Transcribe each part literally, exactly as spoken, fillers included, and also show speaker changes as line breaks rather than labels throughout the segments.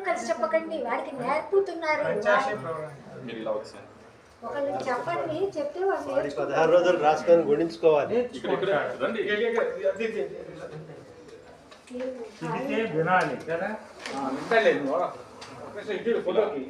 కలిసి చెప్పకండి వాడికి నేర్పుతున్నారు ఒకళ్ళు చెప్పండి చెప్తే వాడు
పదహారు రోజులు రాసుకొని గుణించుకోవాలి వినాలి కదా వింటలేదు ఇటు ఫోటోకి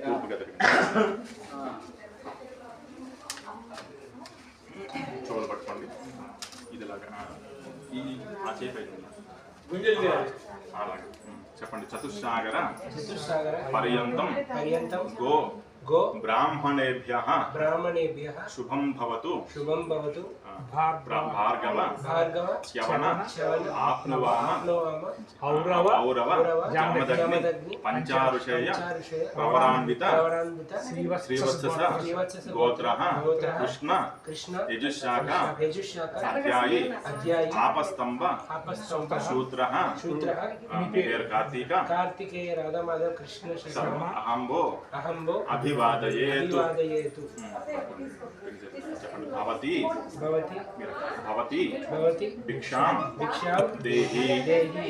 చూడలు పట్టుకోండి ఇదిలాగా ఈ ఆ చేప అలాగే చెప్పండి చతుస్సాగర
చతుస్సాగర
పర్యంతం
పర్యంతం
గో
गो
ब्राह्मणेभ्यः
ब्राह्मणेभ्यः
शुभं भवतु
शुभं भवतु
भार्गव
भार्गव
च्यवन
च्यवन
आप्नुवाम
आप्नुवाम
औरव औरव जामदग्नि पंचारुषेय प्रवरान्वित
प्रवरान्वित
श्रीवत्सस गोत्रः कृष्ण
कृष्ण
यजुशाखा
यजुशाखा
अध्यायी
अध्यायी
आपस्तंभ
आपस्तंभ
शूद्रः
शूद्रः
पेर कार्तिक
कार्तिकेय राधा माधव कृष्ण शर्मा
अहंबो
अहंबो
अभिवादयेतु
अभिवादयेतु
भवति
भवति
भवति
भवति
भिक्षां
भिक्षां
देहि
देहि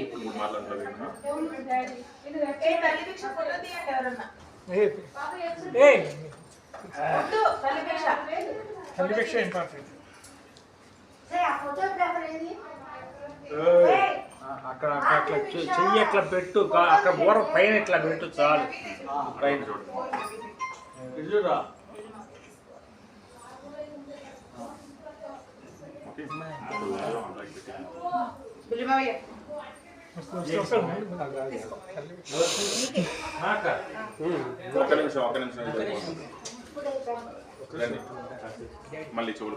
ఏ తల్లి భిక్ష ఫోటో తీయండి ఎవరన్నా
ఏ ఏ
వద్దు తల్లి భిక్ష
తల్లి భిక్ష ఇంపార్టెంట్
సే ఆ ఫోటోగ్రాఫర్ ఏది
అక్కడ అట్లా చెయ్యి అట్లా పెట్టు అక్కడ బోర పైన ఇట్లా పెట్టు చాలు పైన చూడు చూడరా
బులిబావయ్య
ఒక్క నిమిషం ఒక్క నిమిషం మళ్ళీ చెవులు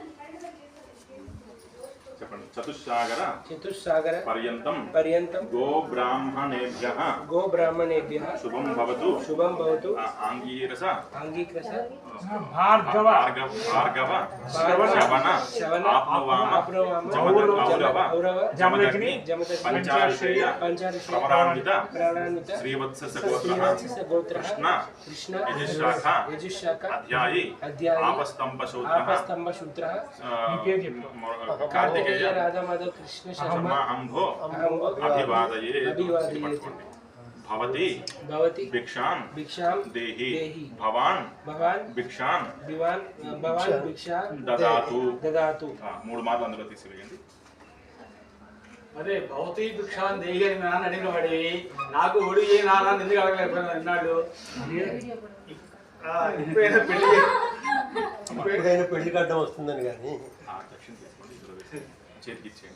చెప్పండి చతుస్సాగర
చతుస్సాగర
పర్యంతం
పర్యంతం
గో బ్రాహ్మణేభ్యః
गो ब्राह्मणेभ्यः
శుభం భవతు
शुभं भवतु
ఆంగీరస
अंगीकृत
భార్గవ
భార్గవ భార్గవ శవన
शवन
ఆప్నువామ
आप्नुवाम
ఔరవ
औरव
జమదగ్ని
जमदग्नि
పంచారుషేయ
पंचारुषेय
ప్రవరాన్విత
प्राणान्वित
శ్రీవత్సస గోత్రః
श्रीवत्सस गोत्रः
కృష్ణ
कृष्ण
యజుశాఖా
यजुशाखा
అధ్యాయి
अध्यायी
ఆపస్తంభ శూద్రః
आपस्तंभ शूद्रः
కార్తికేయ
राधा माधव कृष्ण शर्मा
అంభో
अहंबो
అభివాదయేతు
अभिवादयेतु
भवति
भवति
भिक्षां
भिक्षां
देहि
देहि
भवान्
भवान्
भिक्षां
भिवान् भवान् भिक्षा
ददातु
ददातु
మూడు మార్లు అందులో తీసివేయండి
అదే భౌతి భిక్షాన్ దేహి అని నాన్న అడిగిన వాడి నాకు ఒడి ఏ నాన్న ఎందుకు అడగలేకపోయినా అన్నాడు ఇప్పుడైనా పెళ్లి
ఇప్పుడైనా పెళ్లి గడ్డం వస్తుందని కానీ
దక్షిణ తీసుకోండి ఇందులో వేసి చేతికి ఇచ్చేయండి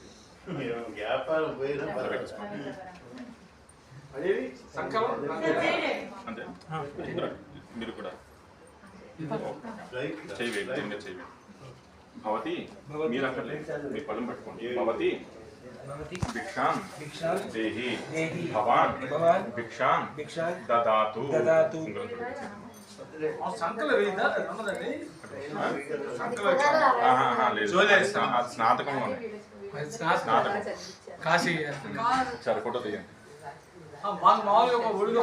అదేది సంకలం
అంతే మీరు కూడా చేయవేయండి దీని మీద చేయవేయండి భవతి మీరు అక్కర్లేదు మీ పళ్ళం పెట్టుకోండి భవతి
भवति
भिक्षां
भिक्षां
देहि
देहि
भवान्
भवान्
भिक्षां
भिक्षां
ददातु
ददातु
సంకల వేయిందా నమ్మదండి
స్నాతకంలోనే స్నాతకం
కాశీ
సరే ఫోటో తీయండి
మామూలుగా ఒడిగా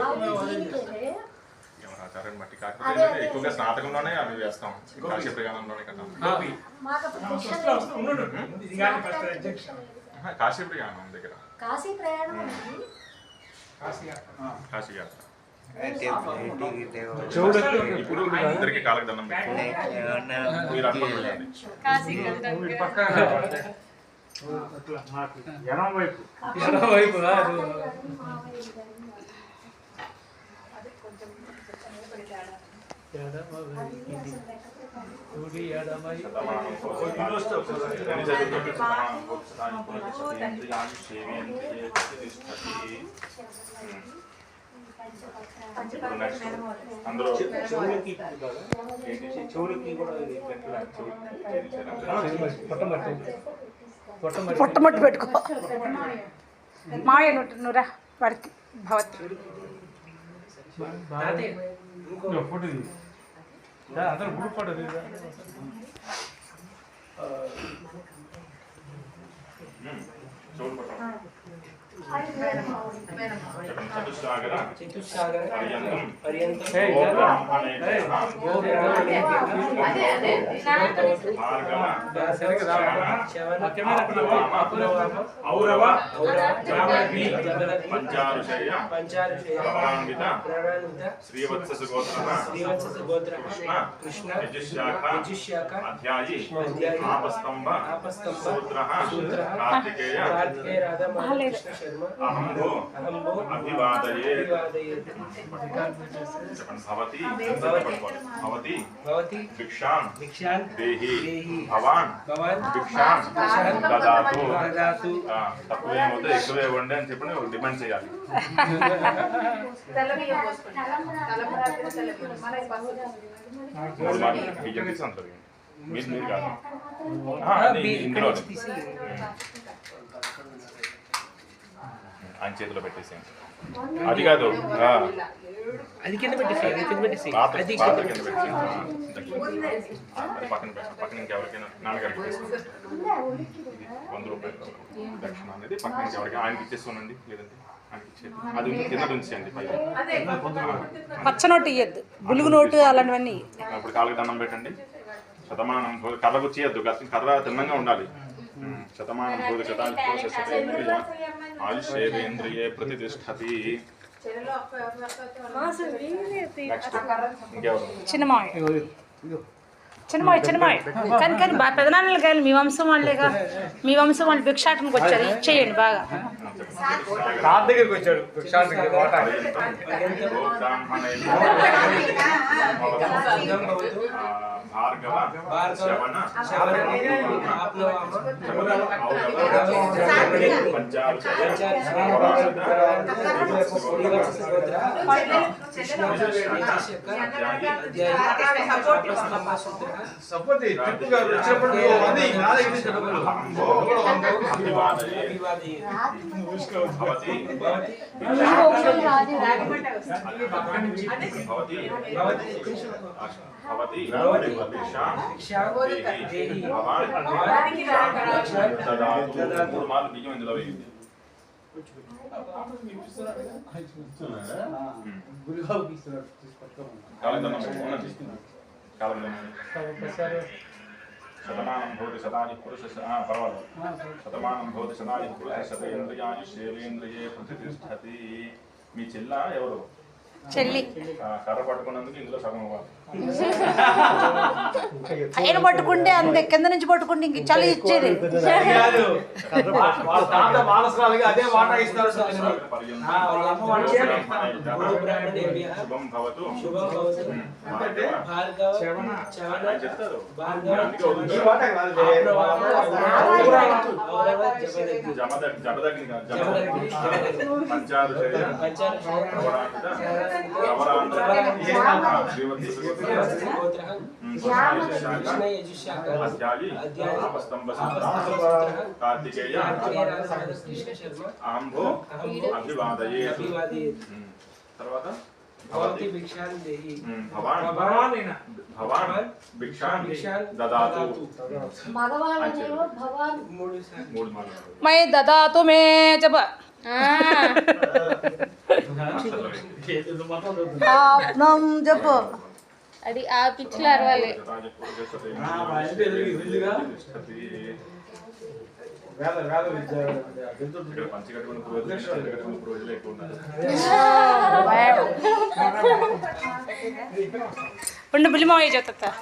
ఎవరు ఆచారాన్ని బట్టి కాకపోతే ఎక్కువగా స్నాతకంలోనే అవి వేస్తాం కాశీ ప్రయాణంలోనే కదా కాశీ ప్రయాణం దగ్గర
కాశీ ప్రయాణం
కాశీ యాత్ర
చూడు
ఇప్పుడు అందరికి కాళ్ళకి దండం పెట్టుకోండి మీరు అనుకోండి
ఎడం వైపు ఎడం వైపు
అందరూ
చెవులకి కూడా
పొట్టమట్టు పెట్టుకో మాయ నురా వాడికి భవతి
అందరూ గ్రూప్ ఫోటో
చూడు చతుస్సాగర
చతుస్సాగర
పర్యంతం
పర్యంతం
గో బ్రాహ్మణేభ్యః
గో బ్రాహ్మణేభ్యః
అదే అదే
భార్గవ
శవన
అప్లవామ ఔరవ జమదగ్ని పంచారుషయ
పంచారుషయ
ప్రవరాన్విత
ప్రణాళిత
శ్రీవత్స గోత్రః
శ్రీవత్స గోత్ర
కృష్ణ
కృష్ణ
యజుశాఖ
యజుశాఖ
అధ్యాయి
అధ్యాయి
ఆపస్తంభ
ఆపస్తంభ
సూత్రః
సూత్రః
కార్తికేయ
కార్తికేయ రాధా మాధవ కృష్ణ శర్మ
అహంభో
అహంభో
అభివాదయే
అభివాదయేత్
చెప్పండి భవతి
భవతి
భవతి
భవతి
భిక్షాం
భిక్షాన్
దేహి
దేహి
భవాన్
భవాన్
భిక్షాం దదాతు
దదాతు
ఆ, తక్కువేమవుతే ఎక్కువే ఇవ్వండి అని చెప్పి నువ్వు డిమాండ్ చేయాలి
తెల్ల బియ్యం పోసుకోండి తలంబరాలు తెల్ల బియ్యం మనకి పసుపు
మూడు మార్లు బియ్యం తీసి అంత వేయండి. మీరు మీరు కాదు ఆ, అది ఇందులో ఆయన చేతిలో పెట్టేసేయండి అది కాదు ఆ,
అది కింద పెట్టేసి అది కింద పెట్టేసి
పాత
అది
పాత
కింద
కింద పెట్టేసేయండి ఆ, అది పక్కన పెట్టండి పక్కన ఇంకెవరికైనా నాన్నగారికి తీసుకోండి వంద రూపాయలు దక్షిణ అనేది పక్కన ఇంకెవరికి ఆయనకి ఇచ్చేసుకోనండి లేదంటే ఆయనకి ఇచ్చేది అది కింద ఉంచేయండి పైన
పచ్చ నోటు ఇయ్యద్దు బులుగు నోటు అలాంటివన్నీ
ఇప్పుడు కాళ్ళకి దండం పెట్టండి శతమానం భోజ కర్ర గుచ్చియద్దు కర్ర తిన్నంగా ఉండాలి ఉమ్, శతమానం భోజ శతాయుష్యేంద్రియ ఆయుష్యేంద్రియే ప్రతిష్టతి
చెరలో అప్ప అప్ప
నెక్స్ట్ ఇంకెవరు
చిన్నమాయ చిన్నమాయ చిన్నమాయ కానీ కానీ బా పెదనాన్నలు కానీ మీ వంశం వాళ్ళేగా మీ వంశం వాళ్ళు భిక్షాటనకు వచ్చారు ఇచ్చేయండి బాగా
కార్ దగ్గరికి వచ్చాడు భిక్షాటనకి వాటా.
గో బ్రాహ్మణైః ఆ, భార్గవ శవన
ఆప్నవామ
పంచారుషయ
శ్రీవత్స గోత్ర కృష్ణ యజుశాఖ అధ్యాయి ఆపస్తంభ సూత్ర
సపోజ్ ట్రిప్ గారు వచ్చినప్పుడు అది నా దగ్గర నుంచి డబ్బులు.
అభివాదయే
అభివాదయేత్
భవతి
భవతి
భవతి
భవతి
భవతి భిక్షాం
భిక్షాం
దేహి
దేహి
భవాన్
భవాన్
దదాతు మూడు మార్లు బియ్యం ఇందులో వేయండి కాళ్ళకి దండం పెట్టుకోండి కాళ్ళకి దండం పెట్టుకోండి. శతమానం భవతి శతాని పురుష ఆ, పర్వాలేదు శతమానం భవతి శతాని పురుష శతేంద్రియాని శైలేంద్రియే ప్రతిష్టతి మీ చెల్ల ఎవరు
చెల్లి
ఆ, కర్ర పట్టుకున్నందుకు ఇందులో సగం ఇవ్వాలి
ఆయన పట్టుకుంటే అంతే కింద నుంచి పట్టుకుంటే ఇంక చలి ఇచ్చేది
కాదు. వా- వాళ్ళ తాత వారసురాలుగా అదే వాటా ఇస్తారు సార్.
పర్యంతం
ఆ, వాళ్ళ అమ్మ వాళ్ళు చేయాలి.
గో బ్రాహ్మణేభ్యః
శుభం భవతు
శుభం భవతు
భార్గవ
భార్గవ
శవన.
శవన
ఆయన చెప్తారు
భార్గవ
అందుకే
ఈ
వదులుతారు.
వాటా కాదు లే.
ఆప్నవామ ఔరవ జమదగ్ని
జమదగ్ జమదగ్ని కాదు,
జమదగ్ని
జమదగ్ని పంచారుషయ
పంచారుషయ
ప్రవరాన్విత
ప్రవరాన్విత
ప్రవరాన్విత శ్రీవత్స
శ్రీవత్స గోత్ర
కృష్ణ
కృష్ణ యజుశాఖ
అధ్యాయి
అధ్యాయి
ఆపస్తంభ
ఆపస్తంభ
సూత్ర
సూత్ర
కార్తికేయ
కార్తికేయ రాధా మాధవ కృష్ణ శర్మ
అహంభో
అహంభో
అభివాదయే
అభివాదయేత్
తర్వాత
భవతి భిక్షాం దేహి
ఉమ్, భవాన్
భగవాన్ ఈయన.
భవాన్ భిక్షాన్
భిక్షాం
దదాతు
మగవాళ్ళనేమో భవాన్
మూడు సార్లు
మూడు మాటలు
మై దదాతు మే జప
ఇది మొత్తం దొరుకుతుంది.
ఆప్నం జపు
అది ఆ పిచ్చిలో అరవాలి
ఆ, మా ఇంటి ఎదురు ఇల్లుగా వేద వేద విద్య విద్యుత్
ఇక్కడ పంచి కట్టుకున్న పురోహితులు పంచి కట్టుకున్న పురోహితులు ఎక్కువ ఉన్నారు
ఉండు బులిమాయ చెప్తా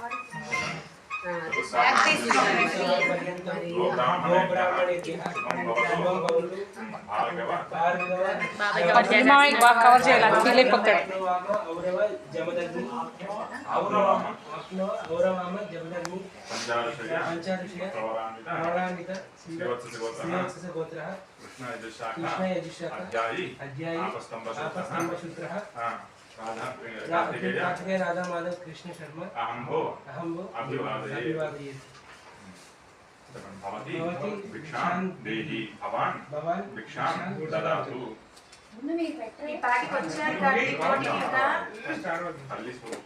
గో బ్రాహ్మణేభ్యః శుభం భవతు భార్గవ
భార్గవ
బులిమాయకి బాగా కవర్ చేయాలి ఫీల్ అయిపోతాడు
ఆప్నవామ ఔరవ జమదగ్ని ఔరవామ ఆప్నవ ఔరవామ జమదగ్ని
పంచారుషయ
పంచారుషయ
ప్రవరాన్విత
ప్రవరాన్విత
శ్రీవత్స గోత్ర
శ్రీవత్స గోత్ర
కృష్ణ యజుశాఖ
కృష్ణ యజుశాఖ
అధ్యాయి
అధ్యాయి
ఆపస్తంభ
ఆపస్తంభ
సూత్ర
సూత్ర
ఆ, రాధా కార్తికేయ
కార్తికేయ రాధా మాధవ కృష్ణ శర్మ
అహంభో
అహంభో
అభివాదయేత్.
అభివాదయేత్
భవతి
భవతి
భిక్షాం దేహి భవాన్
భవాన్
భిక్షాం దదాతు
ముందు మీకు పెట్టండి.
ఈ పాటికి వచ్చారు కానీ పోటీ ఇంకా
తల్లి స్వరూపం.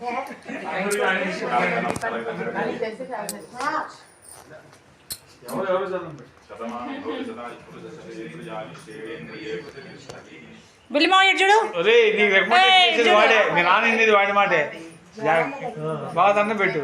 ఎవరు ఎవరు చదవండి.
శతమానం భవతి శతాయు పురుష శతేంద్రియాణి శేవేంద్రియే ప్రతిష్టతి.
బిల్లిమావ చూడు.
ఒరే నీకు రికమెండేషన్ చేసేది వాడే, మీ నాన్న ఇన్నేది వాడి మాటే. బాగా దండం పెట్టు.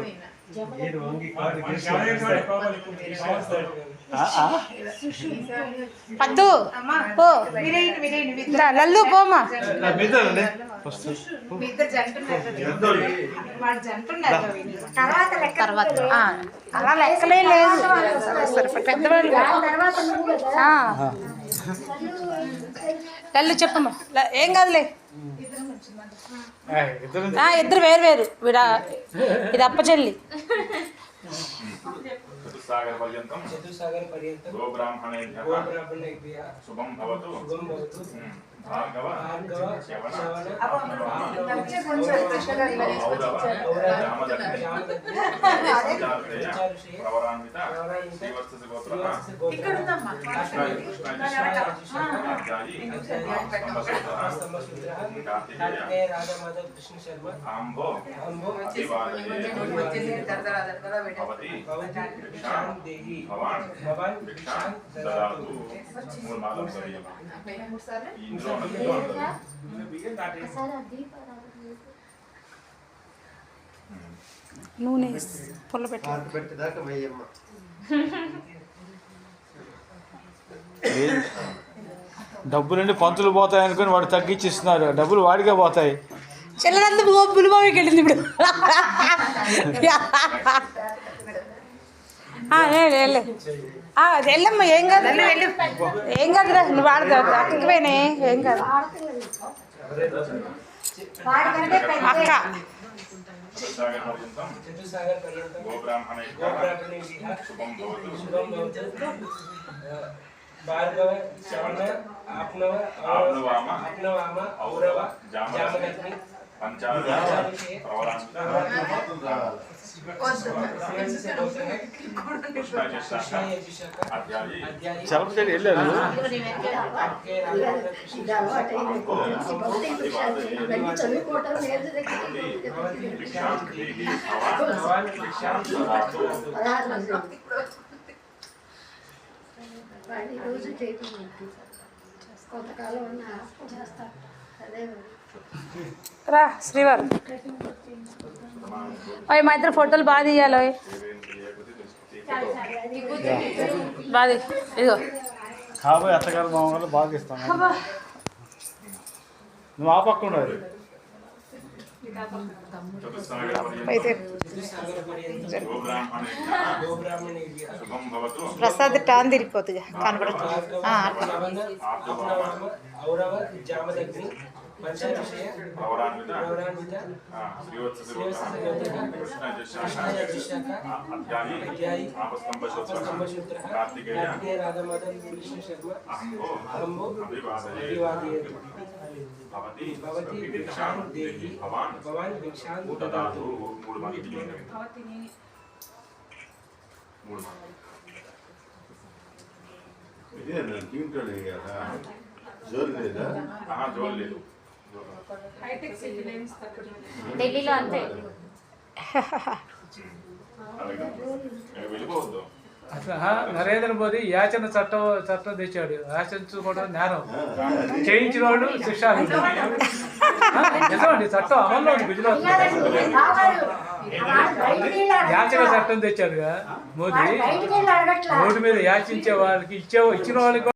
పద్దు పో
విరేయండి విరేయండి
రా, లల్లు పోమా.
మీదండి
మీ ఇద్దరు జంట ఉన్నారు. వాడు జంట ఉన్నారు
తర్వాత లెక్క
తర్వాత ఆ, అలా లెక్కలే లేదు. సరే పెద్దవాళ్ళు
తర్వాత నువ్వు కదా
ఆ. లల్లు చెప్పమ్మా. ల- ఏం కాదులే.
ఇద్దరు
ఆ, ఇద్దరు వేరు వేరు విడా ఇది అప్పచెల్లి.
చతుస్సాగర పర్యంతం
చతుస్సాగర పర్యంతం
గోబ్రాహ్మణేభ్యః
గోబ్రాహ్మణేభ్యः
శుభం భవతు.
శుభం భవతు.
భార్గవ
భార్గవ
శ్రవణ
శ్రవణ
కొంచెం కృష్ణ గారు ఇలా వేసి
ఔరవ
వచ్చారు.
జామదగ్ని
జామదగ్ని
సంచారతయ ప్రవరాన్విత శ్రీవత్స గోత్రః
ఇక్కడ ఉందమ్మా.
కృష్ణ కృష్ణ అధ్యాయి స్తంభసూత్రః
స్తంభసూత్రः
కార్తికేయ
కార్తికేయ రాధా మాధవ్ కృష్ణ శర్మ
ఆంబో
అంబో
అభివాదయే
వచ్చేసి దరదర దరదర పెట్టారు.
భవతి
భవతి భిక్షాం దేహి
భవాన్
భవాన్
భిక్షాం
భిక్షాం
దదాతు.
దదాతు.
మూడు మాలం సరియం
మూడు సార్లు
ఇంద్రో ఇంద్రో
ఒకసారి ఆ దీపారాధన
నూనె పుల్ల పెట్టి
పాత పెట్టేదాకా వెయ్యమ్మ.
డబ్బులండి పంతులు పోతాయి అనుకుని వాడు తగ్గించి ఇస్తున్నారు. డబ్బులు వాడికే పోతాయి.
చిల్లరంతా బులిబావికి వెళ్ళింది ఇప్పుడు. ఆ, వెళ్ళు, వెళ్ళు. ఆ, అది వెళ్ళమ్మా. ఏం కాదు వెళ్ళు. ఏం కాదురా నువ్వు వాడదా అక్కకి పోయినా ఏం కాదు.
వాడికంటే పెద్ద
అక్క
చతుస్సాగర పర్యంతం
చతుస్సాగర పర్యంతం
గోబ్రాహ్మణేభ్యః
గోబ్రాహ్మణేభ్యः
శుభం భవతు.
శుభం భవతు. భార్గవ శ్రవణ ఆప్నవ
ఆప్నవామ
ఆప్నవామ ఔరవ జామదగ్ని
పంచాదశ ప్రవరాన్విత
శ్రీవత్స గోత్రః
కృష్ణ
కృష్ణ యజుషక
అధ్యాయి
అధ్యాయి
చలపతి వెళ్ళారు.
కార్తికేయ రాధా మాధవ్ కృష్ణ
ఇది అలవాటు అయిపోయింది. ఇవన్నీ చదువుకోవటం నేర్చు
భవతి భిక్షాం దేహి
భవాన్ భిక్షాం
దదాతు.
పదహారు మంది వాడి రోజు చేయటం ఏంటి? కొంతకాలం ఉన్న చేస్తారు అదే మరి.
రా శ్రీవారు. ఓయ్ మా ఇద్దరు ఫోటోలు బాగా తీయాలి. ఓయ్ బాగా తీ- ఇదిగో
కాబోయే అత్తగారు మామగారు బాగా ఇస్తాను. నువ్వు ఆ పక్క ఉండదు.
చతుస్సాగర
అయితే
పర్యంతం
చతుస్సాగర పర్యంతం
గోబ్రాహ్మణేభ్యః
గోబ్రాహ్మణేభ్యः
శుభం భవతు.
ప్రసాద్ టాన్ తిరిగిపోతుంది కనపడుతుంది. ఆ,
ఆప్నవామ ఔరవ జామదగ్ని పంచవిషయ
ప్రవరాన్విత
ప్రవరాన్విత
శ్రీవత్స
శ్రీవత్స
గోత్రః
గోత్రః
కృష్ణ
కృష్ణ
యజుషక
యజుషక
అధ్యాయి
అధ్యాయి
ఆపస్తంభసూత్రః
స్తంభసూత్రः
కార్తికేయ
కార్తికేయ రాధా మాధవ్ కృష్ణ శర్మ
అహంబో
అంబో
అభివాదయే
అభివాదయేతు.
భవతి
భవతి
భిక్షాం
భిక్షాం
దేహి
దేహి
భవాన్
భవాన్ భిక్షాం
దదాతు.
దదాతు.
మూడు మంది మూడు మంది
ఇదే నేను టీంటాడు కదా జోరు లేదా
ఆహా జోలు లేదు.
హైటెక్ సిటీ లైన్స్ తక్కువ
ఢిల్లీలో అంతే.
అలాగే వెళ్ళిపోవద్దు.
అసలు ఆ, నరేంద్ర మోదీ యాచన చట్టం చట్టం తెచ్చాడు. యాచించుకోవడం నేరం. చేయించిన వాడు శిక్ష. నిజమండి చట్టం అమల్లో ఉంది గుజరాత్.
బాబాలు బయటికి వెళ్ళి
యాచన చట్టం తెచ్చాడుగా మోదీ.
బయటికి వెళ్ళి అడగట్లా
రోడ్డు మీద యాచించే వాళ్ళకి ఇచ్చే ఇచ్చిన వాళ్ళకి